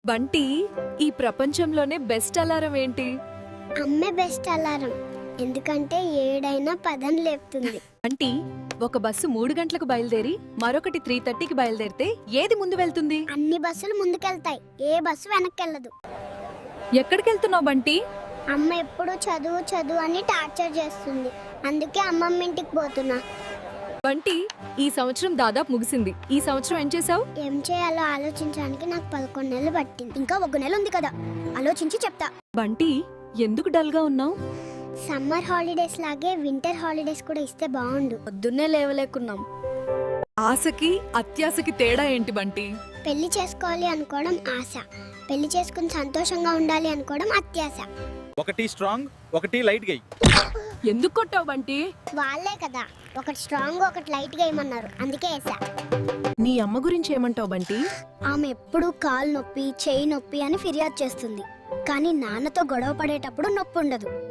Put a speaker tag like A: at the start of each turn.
A: బంటి, ఈ ప్రపంచంలోనే best alarm ఏంటి?
B: అమ్మే బెస్ట్ అలారం. ఎందుకంటే ఏడైనా పదం లేపుతుంది.
A: బంటి, ఒక బస్సు 3 గంటలకు బయలుదేరి మరొకటి 3:30కి బయలుదేరితే ఏది ముందు వెళ్తుంది?
B: అన్ని బస్సులు ముందుకెళ్తాయి, ఏ బస్సు వెనక్కెళ్ళదు.
A: ఎక్కడికెళ్తున్నావు బంటి?
B: అమ్మ ఎప్పుడు చదువు చదువు అని టార్చర్ చేస్తుంది. అందుకే అమ్మమ్మ ఇంటికి పోతున్నా.
A: బంటి, ఈ సంవత్సరం దాదాపు ముగిసింది. ఈ సంవత్సరం ఏం చేసావు?
B: ఏం చేయాలో ఆలోచించడానికి నాకు 11 నెలలు పట్టింది. ఇంకా 1 నెల ఉంది కదా, ఆలోచించి చెప్తా.
A: బంటి, ఎందుకు డల్ గా ఉన్నావు?
B: సమ్మర్ హాలిడేస్ లాగే వింటర్ హాలిడేస్ కూడా ఇస్తే బాగుండు.
C: పొద్దున్నే లేవలేకున్నాం.
A: ఆశకి అత్యాశకి తేడా ఏంటి బంటి?
B: పెళ్లి చేసుకోవాలి అనుకోవడం ఆశ, పెళ్లి చేసుకుని సంతోషంగా ఉండాలి అనుకోవడం అత్యాశ.
D: ఒకటి స్ట్రాంగ్, ఒకటి లైట్ గై.
A: ఎందుకు కొట్టావు బంటి?
B: వాళ్ళే కదా ఒకటి స్ట్రాంగ్ ఒకటి లైట్ గా ఏమన్నారు, అందుకే వేసా.
A: నీ అమ్మ గురించి ఏమంటావు బంటి?
C: ఆమె ఎప్పుడూ కాలు నొప్పి, చేయి నొప్పి అని ఫిర్యాదు చేస్తుంది. కానీ నాన్నతో గొడవ పడేటప్పుడు నొప్పి ఉండదు.